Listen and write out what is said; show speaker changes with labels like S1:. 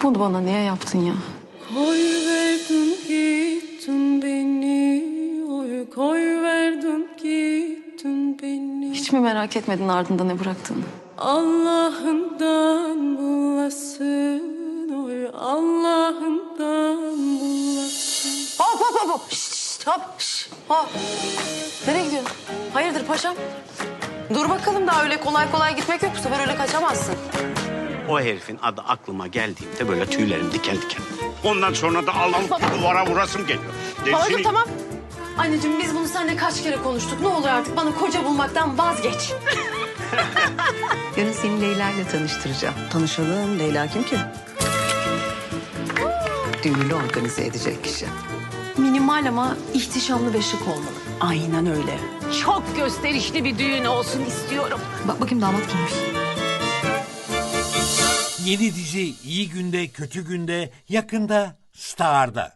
S1: Bunu bana niye yaptın ya?
S2: Koy verdin gittin beni, oy koy verdin gittin beni.
S1: Hiç mi merak etmedin ardında ne bıraktığını?
S2: Allah'ından bulasın, oy Allah'ından bulasın.
S1: Hop hop hop hop. Şşt, şşt, hop. Şşt, hop. Nereye gidiyorsun? Hayırdır paşam? Dur bakalım, daha öyle kolay kolay gitmek yok. Bu sefer öyle kaçamazsın.
S3: O herifin adı aklıma geldiğinde böyle tüylerim diken diken. Ondan sonra da alıp duvara vurasım geliyor.
S1: Babacığım tamam. Anneciğim biz bunu seninle kaç kere konuştuk. Ne olur artık bana koca bulmaktan vazgeç.
S4: Yarın seni Leyla ile tanıştıracağım. Tanışalım. Leyla kim ki? Düğünü organize edecek kişi.
S1: Minimal ama ihtişamlı ve şık olmalı.
S4: Aynen öyle.
S5: Çok gösterişli bir düğün olsun istiyorum.
S1: Bak bakayım damat kimmiş?
S6: Yeni dizi İyi Günde Kötü Günde yakında Star'da.